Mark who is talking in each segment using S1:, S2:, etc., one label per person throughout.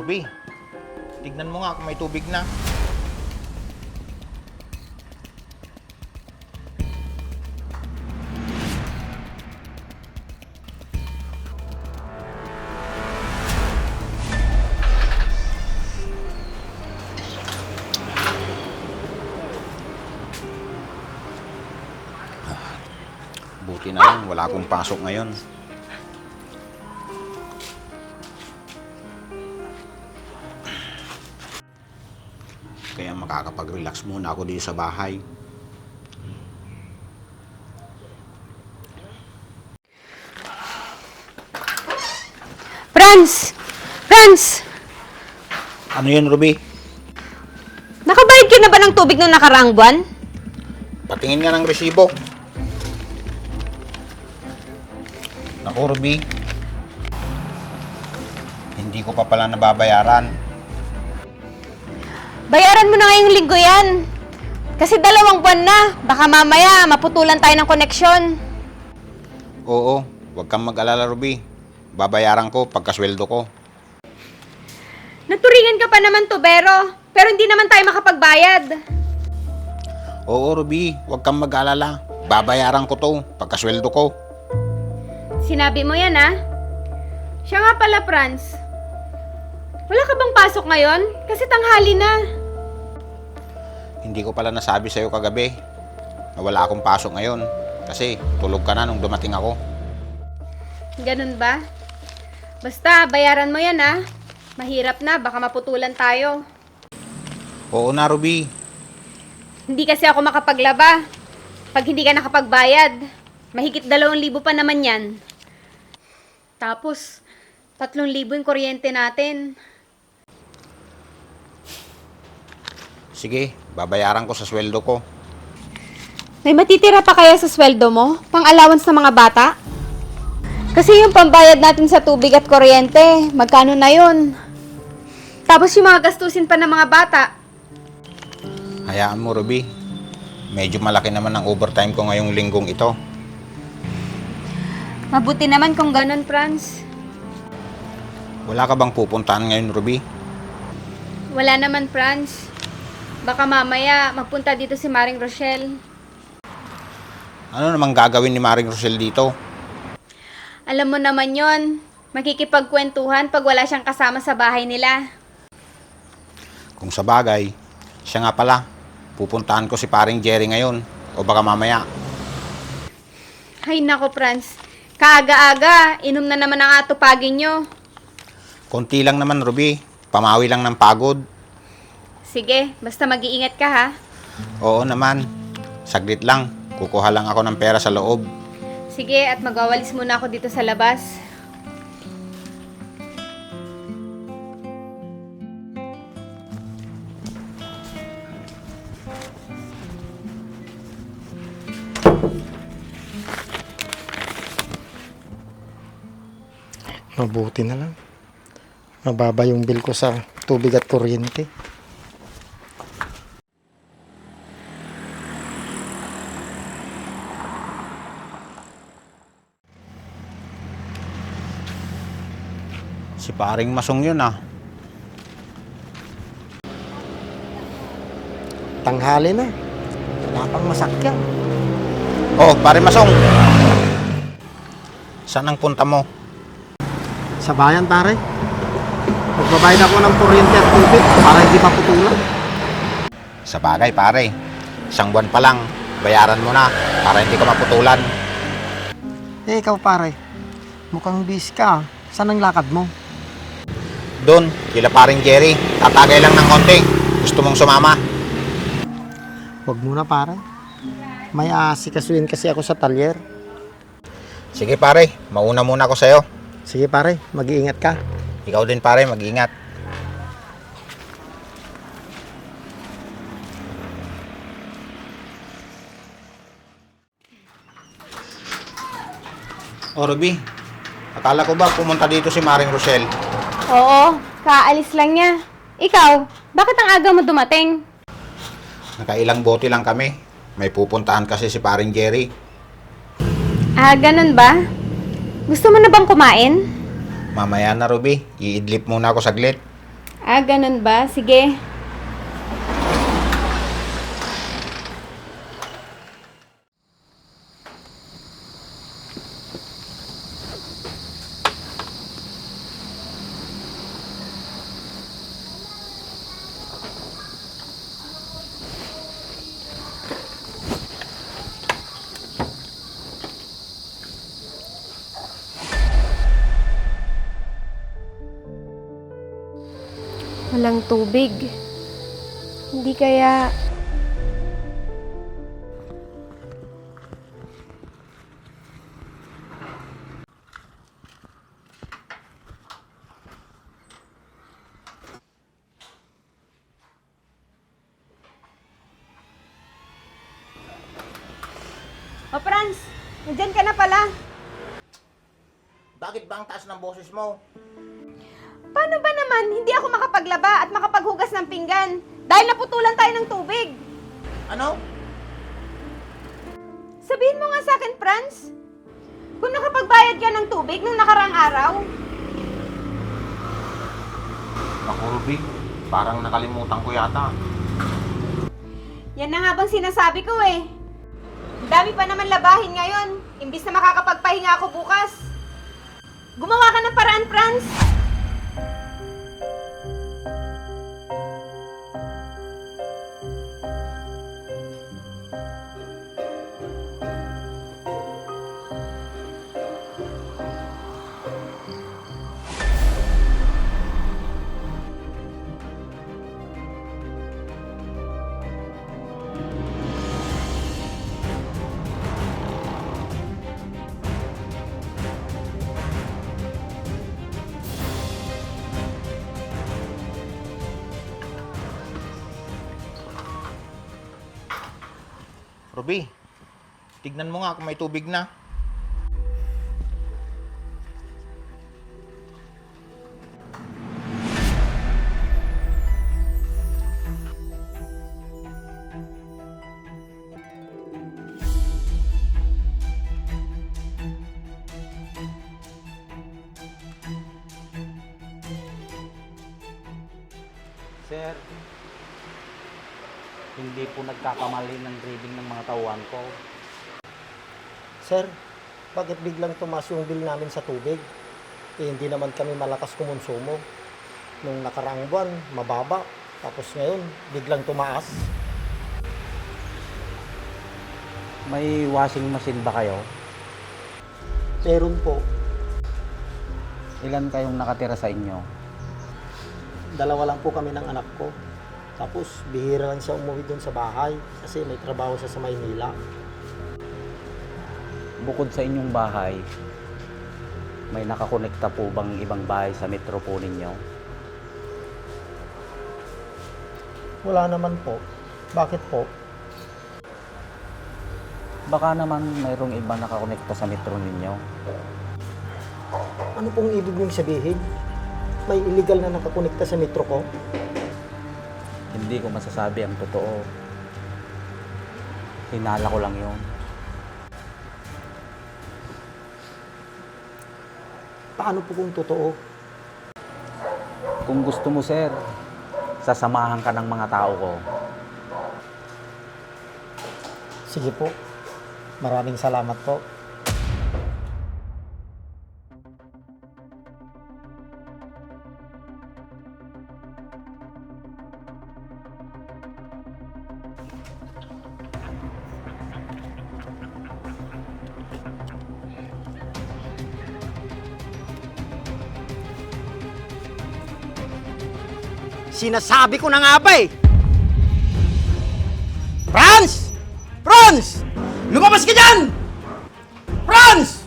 S1: Ruby, tignan mo nga kung may tubig na. Buti na lang, wala akong pasok ngayon. Kaya makakapag-relax muna ako dito sa bahay.
S2: Franz! Franz!
S1: Ano yun, Ruby?
S2: Nakabayad ka na ba ng tubig nung nakaraang buwan?
S1: Patingin nga ng resibo. Naku, Ruby. Hindi ko pa pala nababayaran.
S2: Bayaran mo na ngayong linggo yan. Kasi 2 buwan na. Baka mamaya maputulan tayo ng koneksyon.
S1: Oo, huwag kang mag-alala, Ruby. Babayaran ko pagkasweldo ko.
S2: Naturingan ka pa naman, tubero. Pero hindi naman tayo makapagbayad.
S1: Oo, Ruby, huwag kang mag-alala. Babayaran ko to pagkasweldo ko.
S2: Sinabi mo yan, ha? Siya nga pala, Franz. Wala ka bang pasok ngayon? Kasi tanghali na.
S1: Hindi ko pala nasabi sa'yo kagabi na wala akong pasok ngayon. Kasi tulog ka na nung dumating ako.
S2: Ganun ba? Basta, bayaran mo yan, ha? Mahirap na, baka maputulan tayo.
S1: Oo na, Ruby.
S2: Hindi kasi ako makapaglaba. Pag hindi ka nakapagbayad, mahigit 2,000 pa naman yan. Tapos, 3,000 yung kuryente natin.
S1: Sige, babayaran ko sa sweldo ko.
S2: May matitira pa kaya sa sweldo mo? Pang-allowance ng mga bata? Kasi yung pambayad natin sa tubig at kuryente, magkano na yun? Tapos yung mga gastusin pa ng mga bata.
S1: Hayaan mo, Ruby. Medyo malaki naman ang overtime ko ngayong linggong ito.
S2: Mabuti naman kung ganun, Franz.
S1: Wala ka bang pupuntahan ngayon, Ruby?
S2: Wala naman, Franz. Baka mamaya magpunta dito si Maring Rochelle.
S1: Ano namang gagawin ni Maring Rosel dito?
S2: Alam mo naman yon, makikipagkwentuhan pag wala siyang kasama sa bahay nila.
S1: Kung sa bagay, siya nga pala. Pupuntahan ko si paring Jerry ngayon. O baka mamaya.
S2: Ay nako, Franz. Kaaga-aga, inom na naman ang atupagin nyo.
S1: Konti lang naman, Ruby. Pamawi lang ng pagod.
S2: Sige, basta mag-iingat ka, ha?
S1: Oo naman. Saglit lang. Kukuha lang ako ng pera sa loob.
S2: Sige, at magwawalis muna ako dito sa labas.
S3: Mabuti na lang. Mababa yung bill ko sa tubig at kuryente.
S1: Si paring Masong yun ah.
S3: Tanghali na. Wala pang masakyan.
S1: Oh, paring Masong. Saan ang punta mo?
S3: Sa bayan, pare. Magbabayad ako ng kuryente at tubig para hindi maputulan.
S1: Sa bagay, pare. 1 buwan pa lang. Bayaran mo na para hindi ka maputulan.
S3: Eh, ikaw, pare. Mukhang busy ka. Saan ang lakad mo?
S1: Doon, kila paring Jerry. Tatagay lang ng konti. Gusto mong sumama?
S3: Huwag muna, pare. May aasikasuhin kasi ako sa talyer.
S1: Sige pare, mauna muna ako sa'yo.
S3: Sige, pare. Mag-iingat ka.
S1: Ikaw din pare, mag-ingat. Oh, Ruby. Akala ko ba pumunta dito si Maring Rochelle?
S2: Oo, kaalis lang niya. Ikaw, bakit ang aga mo dumating?
S1: Nakailang bote lang kami. May pupuntahan kasi si paring Jerry.
S2: Ah, ganun ba? Gusto mo na bang kumain?
S1: Mamaya na, Ruby. Iidlip muna ako saglit.
S2: Ah, ganun ba? Sige. Walang tubig. Hindi kaya... O Franz, nandyan ka na pala.
S1: Bakit ba ang taas ng boses mo?
S2: Paano ba naman hindi ako makapaglaba at makapaghugas ng pinggan? Dahil naputulan tayo ng tubig.
S1: Ano?
S2: Sabihin mo nga sa akin, Franz. Kung nakapagbayad ka ng tubig nung nakarang araw.
S1: Naku, Ruby. Parang nakalimutan ko yata.
S2: Yan na nga bang sinasabi ko eh. Ang dami pa naman labahin ngayon. Imbis na makakapagpahinga ako bukas. Gumawa ka ng paraan, Franz.
S1: Ruby, tignan mo nga kung may tubig na.
S4: Sir, hindi po nagkakamali ng reading ng mga tauhan ko.
S3: Sir, bakit biglang tumaas yung bill namin sa tubig? Eh, hindi naman kami malakas kumonsumo. Nung nakaraang buwan, mababa. Tapos ngayon, biglang tumaas.
S4: May washing machine ba kayo?
S3: Meron po.
S4: Ilan kayong nakatira sa inyo?
S3: Dalawa lang po kami ng anak ko. Tapos, bihira lang siya umuwi doon sa bahay kasi may trabaho siya sa Maynila.
S4: Bukod sa inyong bahay, may nakakonekta po bang ibang bahay sa metro po ninyo?
S3: Wala naman po. Bakit po?
S4: Baka naman mayroong ibang nakakonekta sa metro ninyo.
S3: Ano pong ibig niyong sabihin? May illegal na nakakonekta sa metro ko?
S4: Hindi ko masasabi ang totoo. Hinala ko lang yun.
S3: Paano po kung totoo?
S4: Kung gusto mo, sir, sasamahan ka ng mga tao ko.
S3: Sige po. Maraming salamat po. Sinasabi ko na nga ba eh! Franz! Franz! Lumabas ka dyan! Franz!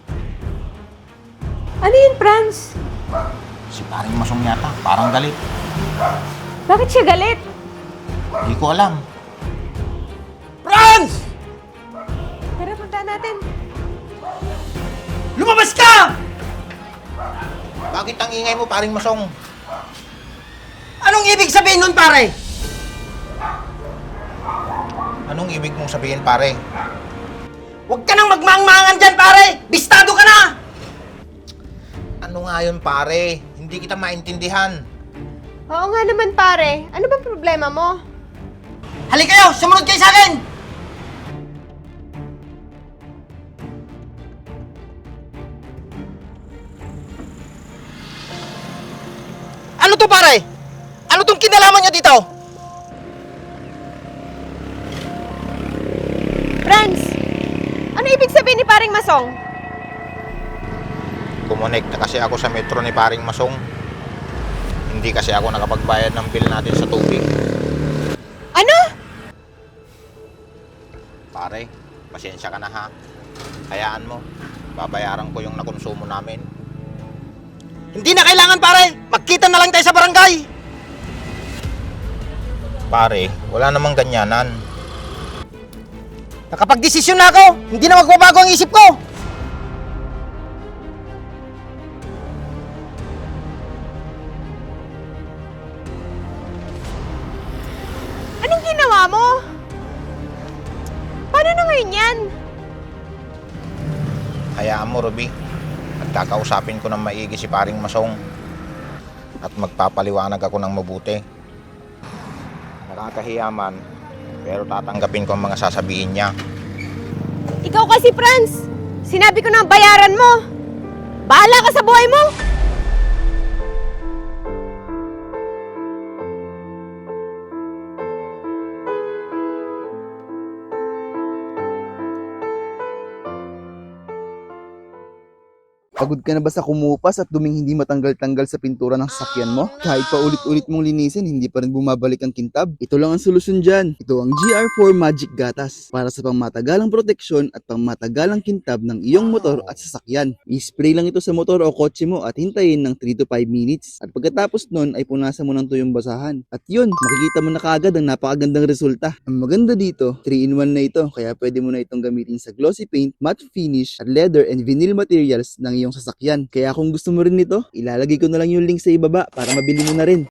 S2: Ano yun, Franz?
S1: Si paring Masong yata, parang galit.
S2: Bakit siya galit?
S1: Hindi ko alam.
S3: Franz!
S2: Tara, punta natin.
S3: Lumabas ka!
S1: Bakit ang ingay mo, paring Masong?
S3: Anong ibig sabihin nun, pare?
S1: Anong ibig mong sabihin, pare?
S3: Huwag ka nang magmangmangan dyan, pare! Bistado ka na!
S1: Ano nga yun, pare? Hindi kita maintindihan.
S5: Oo nga naman pare, ano bang problema mo?
S3: Halika kayo! Sumunod kayo sa akin! Ano to pare? Ano tong kinalaman nyo dito?
S5: Franz, ano ibig sabihin ni paring Masong?
S1: Kumunik na kasi ako sa metro ni paring Masong. Hindi kasi ako nakapagbayad ng bill natin sa tubig.
S5: Ano?
S1: Pare, pasensya ka na ha. Hayaan mo, babayaran ko yung nakonsumo namin.
S3: Hindi na kailangan pare! Magkita na lang tayo sa barangay!
S1: Pare, wala namang ganyanan.
S3: Nakapag-desisyon na ako! Hindi na magbabago ang isip ko!
S5: Anong ginawa mo? Paano na ngayon yan?
S1: Hayaan mo, Ruby. At kakausapin ko ng maigi si paring Masong. At magpapaliwanag ako ng mabuti. Nakakahiya man, pero tatanggapin ko ang mga sasabihin niya.
S5: Ikaw kasi Franz, sinabi ko na ang bayaran mo. Bahala ka sa buhay mo!
S6: Pagod ka na ba sa kumupas at duming hindi matanggal-tanggal sa pintura ng sasakyan mo? Kahit pa ulit-ulit mong linisin, hindi pa rin bumabalik ang kintab? Ito lang ang solusyon dyan. Ito ang GR4 Magic Gatas para sa pangmatagalang proteksyon at pangmatagalang kintab ng iyong motor at sasakyan. I-spray lang ito sa motor o kotse mo at hintayin ng 3 to 5 minutes. At pagkatapos nun ay punasan mo ng tuyong basahan. At yun, makikita mo na kaagad ang napakagandang resulta. Ang maganda dito, 3-in-1 na ito kaya pwede mo na itong gamitin sa glossy paint, matte finish, at leather and vinyl materials ng iyong sasakyan. Kaya kung gusto mo rin nito, ilalagay ko na lang yung link sa ibaba para mabili mo na rin.